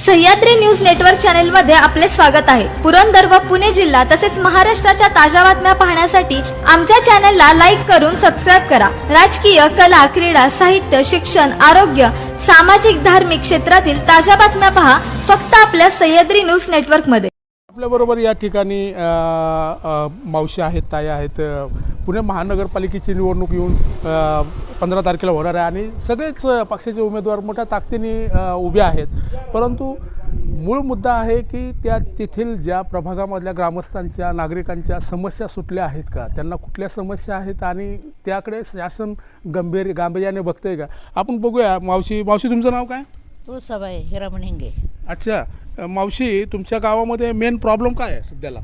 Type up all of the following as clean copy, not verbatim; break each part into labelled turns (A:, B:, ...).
A: Sahyadri news network channel मध्ये आपले स्वागत आहे। पुरंदर व पुणे जिल्हा तसेच महाराष्ट्राच्या ताज्या बातम्या पाहण्यासाठी आमच्या चॅनलला लाईक करून सबस्क्राइब करा। राजकीय, कला, क्रीडा, साहित्य, शिक्षण, आरोग्य, सामाजिक, धार्मिक क्षेत्रातील ताज्या बातम्या पहा फक्त आपल्या सह्याद्री न्यूज नेटवर्क मध्ये।
B: आपल्या बरोबर या ठिकाणी मावशी आहेत, ताई आहेत। पुणे महानगरपालिकेची निवडणूक येऊन 15 तारखेला होणार आहे आणि सगळेच पक्षाचे उमेदवार मोठ्या ताकदीने उभे आहेत। परंतु मूळ मुद्दा आहे की त्या तेथील ज्या प्रभागामधल्या ग्रामस्थांच्या, नागरिकांच्या समस्या सुटल्या आहेत का, त्यांना कुठल्या समस्या आहेत आणि त्याकडे शासन गांभीर्याने बघतंय का, आपण बघूया। मावशी तुमचं नाव काय?
C: तुळसाबाई हिरामण हिंगे।
B: अच्छा मावशी, तुमच्या गावामध्ये मेन प्रॉब्लेम काय आहे सध्याला?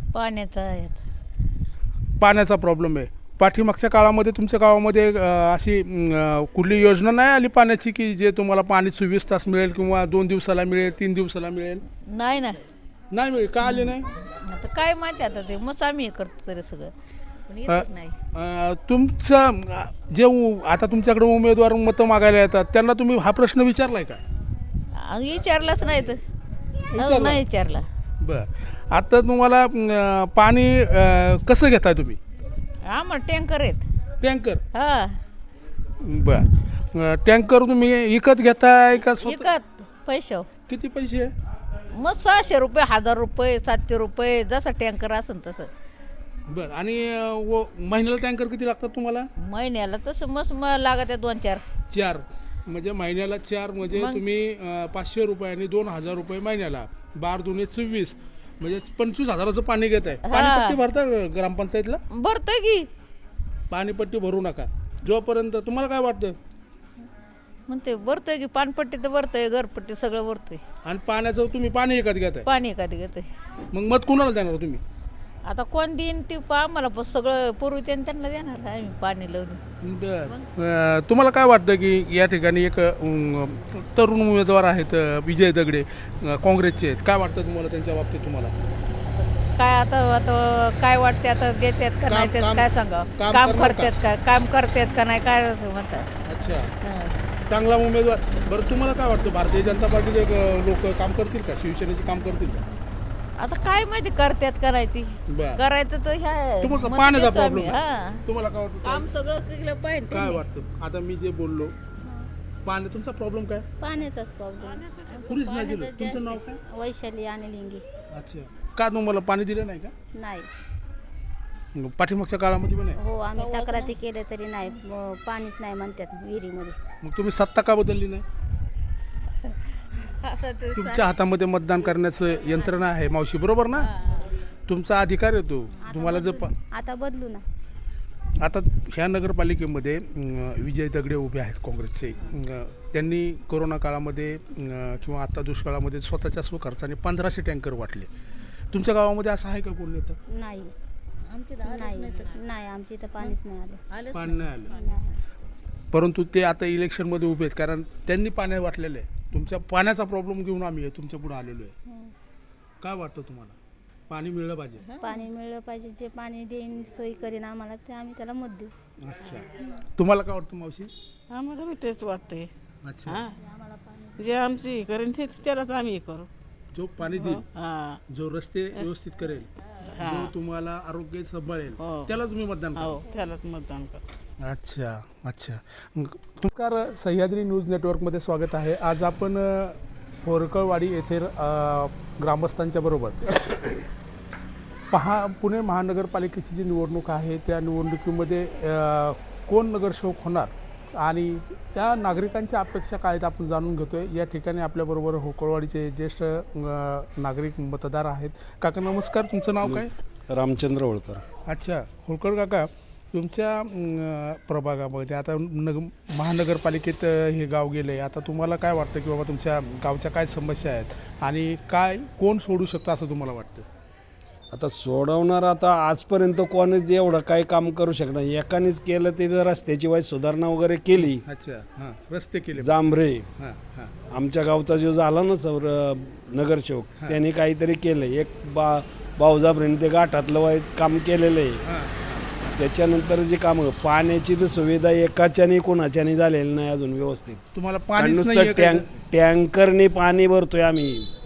B: पाण्याचा प्रॉब्लेम आहे। पाठीमागच्या काळामध्ये तुमच्या गावामध्ये अशी कुठली योजना नाही आली पाण्याची की जे तुम्हाला पाणी 24 तास मिळेल किंवा 2 दिवसाला मिळेल, 3 दिवसाला मिळेल?
C: नाही ना,
B: नाही मिळेल का? आले नाही
C: आता काय माहिती, आता ते मग आम्ही हे करतो तरी सगळं पण येतच नाही।
B: तुमचं जे आता तुमच्याकडे उमेदवार मतं मागायला येतात त्यांना तुम्ही हा प्रश्न विचारलाय का?
C: विचारलाच नाही तर नाही विचारला।
B: बरं, आता तुम्हाला पाणी कसं घेताय तुम्ही?
C: आम्हाला टँकर आहेत।
B: टँकर?
C: हा,
B: बरं, टँकर तुम्ही विकत घेताय का?
C: विकत पैसे।
B: किती पैसे?
C: मग 600 रुपये, 1000 रुपये, 700 रुपये, जसं टँकर असेल तसं।
B: बरं, आणि महिन्याला टँकर किती लागतात तुम्हाला?
C: महिन्याला तसं मग लागत आहे 2-4।
B: 4 म्हणजे महिन्याला 4 म्हणजे तुम्ही 500 रुपये आणि 2000 रुपये महिन्याला, 12 दुने 24 म्हणजे 25,000चं पाणी घेत आहे। पाणीपट्टी भरता ग्रामपंचायतला?
C: भरतोय की।
B: पाणीपट्टी भरू नका जोपर्यंत। तुम्हाला काय वाटतं?
C: म्हणते भरतोय की, पाणपट्टी तर भरतोय, घरपट्टी सगळं भरतोय।
B: आणि पाण्याचं तुम्ही पाणी विकत घेताय?
C: पाणी एखादी घेतोय।
B: मग मत कुणाला देणार तुम्ही?
C: आता कोण देईन ते आम्हाला सगळं पूर्वी त्यांना देणार आम्ही पाणी लावून।
B: बरं, तुम्हाला काय वाटतं की या ठिकाणी एक तरुण उमेदवार आहेत विजय दगडे, काँग्रेसचे आहेत, काय वाटतं तुम्हाला त्यांच्या बाबतीत? तुम्हाला
C: काय आता काय वाटते, आता देतात का नाही त्यात काय सांगा, काम करतात का, काम करतात का नाही काय म्हणतात।
B: अच्छा, चांगला उमेदवार। बरं, तुम्हाला काय वाटतं भारतीय जनता पार्टीचे लोक काम करतील का, शिवसेनेचे काम करतील का?
C: आता काय माहिती करतात का नाही ती, करायचं तर
B: तुम्हाला पाण्याचा प्रॉब्लेम आहे, तुम्हाला काय वाटतं?
C: काम सगळं केलं पाहिजे।
B: काय वाटतं आता मी जे बोललो, पाणी तुमचा प्रॉब्लेम काय?
D: पाण्याचाच प्रॉब्लेम।
B: कुणीच नाही दिलं? तुमचं नाव काय?
D: वैशाली आणि लिंगी।
B: अच्छा, का तुम्हाला पाणी दिलं नाही का?
D: नाही,
B: पाठीमागच्या काळामध्ये पण नाही?
D: हो, आम्ही तक्रारी केले तरी नाही, पाणीच नाही म्हणतात विहिरीमध्ये।
B: मग तुम्ही सत्ता का बदलली नाही? तुमच्या हातामध्ये मतदान करण्याचं यंत्रणा आहे मावशी, बरोबर ना? तुमचा अधिकार आहे तो, तुम्हाला जर
D: आता बदलू ना।
B: आता ह्या नगरपालिकेमध्ये विजय दगडे उभे आहेत काँग्रेसचे। त्यांनी कोरोना काळामध्ये किंवा आता दुष्काळामध्ये स्वतःच्या स्वखर्चाने 1500 टँकर वाटले। तुमच्या गावामध्ये असं आहे का कोण नेतं?
D: नाही, नाही, आमच्या इथं पाणीच नाही आलं।
B: पाणी नाही आलं, परंतु ते आता इलेक्शनमध्ये उभे आहेत कारण त्यांनी पाणी वाटलेलं आहे। तुमच्या पाण्याचा प्रॉब्लेम घेऊन आम्ही तुमच्या पुढे आलेलो आहे। काय वाटतं तुम्हाला? पाणी मिळलं पाहिजे?
D: पाणी मिळलं पाहिजे, जे पाणी देईन सोयी करीन आम्हाला ते आम्ही त्याला मत देऊ।
B: अच्छा, तुम्हाला काय वाटतं मावशी?
E: आम्हाला बी तेच वाटतंय।
B: अच्छा,
E: जे आमची करेन ते त्यालाच आम्ही करू।
B: जो पाणी देईल, जो रस्ते व्यवस्थित करेल, जो तुम्हाला आरोग्य सांभाळेल, त्याला तुम्ही मतदान करा?
E: त्यालाच मतदान करा।
B: अच्छा अच्छा, नमस्कार, सह्याद्री न्यूज नेटवर्कमध्ये स्वागत आहे। आज आपण होरकळवाडी येथे ग्रामस्थांच्या बरोबर पुणे महानगरपालिकेची जी निवडणूक आहे त्या निवडणुकीमध्ये कोण नगरसेवक होणार आणि त्या नागरिकांच्या अपेक्षा काय आहेत आपण जाणून घेतोय। या ठिकाणी आपल्याबरोबर होरकळवाडीचे ज्येष्ठ नागरिक मतदार आहेत। काका नमस्कार, तुमचं नाव काय?
F: रामचंद्र होळकर।
B: अच्छा, होळकर काका, तुमच्या प्रभागामध्ये आता महानगरपालिकेत हे गाव गेले, आता तुम्हाला काय वाटतं की बाबा तुमच्या गावच्या काय समस्या आहेत आणि काय कोण सोडू शकतं असं तुम्हाला वाटतं?
F: आता सोडवणार, आता आजपर्यंत कोणीच एवढं काही काम करू शकणार, एकानेच केलं ते जर रस्त्याची वाईट सुधारणा वगैरे केली।
B: अच्छा, हां, रस्ते केले
F: जांभरे,
B: हां हां,
F: आमच्या गावचा जो झाला ना नगरसेवक, त्यांनी काहीतरी केलं। एक भाऊजाबरेने ते गाठातलं वाईट काम केलेलं आहे। त्याच्यानंतर जे काम, पाण्याची तर सुविधा एकाच्याने कोणाच्याने झालेली नाही अजून व्यवस्थित।
B: तुम्हाला पाणी
F: टँकरने पाणी भरतोय आम्ही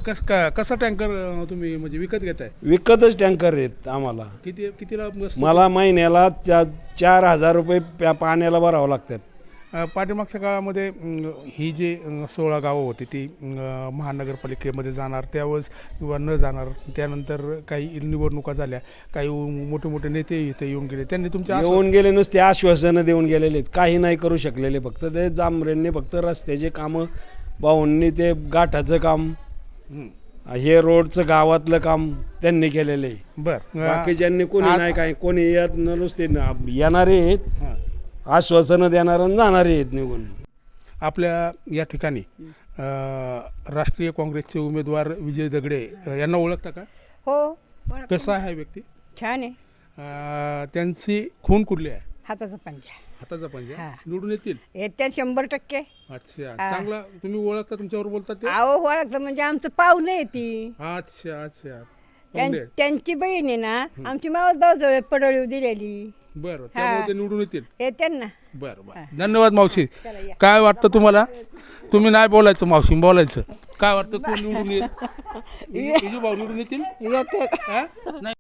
B: कसा टँकर तुम्ही म्हणजे विकत घेताय?
F: विकतच टँकर आहेत आम्हाला.
B: कितीला बसतो?
F: मला महिन्याला 4,000 रुपये पाण्याला भरावं लागतात.
B: पाठीमागच्या काळामध्ये ही जी 16 गावं होती ती महानगरपालिकेमध्ये जाणार त्यावेळेस किंवा न जाणार, त्यानंतर काही निवडणुका झाल्या, काही मोठे मोठे नेते इथे येऊन गेले, त्यांनी तुमच्या
F: येऊन गेले नुसते आश्वासनं देऊन गेलेले आहेत, काही नाही करू शकलेले. फक्त ते जांभरेंनी फक्त रस्त्याचे कामं, भाऊंनी ते गाठाचं काम, हे रोडचं गावातलं काम त्यांनी केलेलं आहे.
B: बरं,
F: बाकीच्यांनी कोणी नाही, काय कोणी येत नुसते येणारे आहेत, आश्वासनं देणार आणि जाणारे आहेत निघून.
B: आपल्या या ठिकाणी राष्ट्रीय काँग्रेसचे उमेदवार विजय दगडे यांना ओळखता का?
G: हो,
B: कसा आहे व्यक्ती?
G: छान आहे.
B: त्यांची खून कुठली आहे?
G: हाताचा पंजा
B: हाताचा पंजा.
G: हा.
B: निवडून येतील?
G: येत्या 100%.
B: अच्छा, चांगला. तुम्ही ओळखता, तुमच्यावर बोलतात ते?
G: अहो ओळखतं म्हणजे आमचं पाहुणं आहे ती.
B: अच्छा अच्छा.
G: त्यांची बहीण आहे ना, आमची मावस भाऊ पडळी दिलेली.
B: बरं, त्यामुळे ते निवडून येतील.
G: येते ना.
B: बरं बरं, धन्यवाद मावशी. काय वाटतं तुम्हाला? तुम्ही नाही बोलायचं मावशी, बोलायचं. काय वाटतं कोण निवडून येईल? विजू भाऊ निवडून येतील?
E: येते
B: हा? नाही.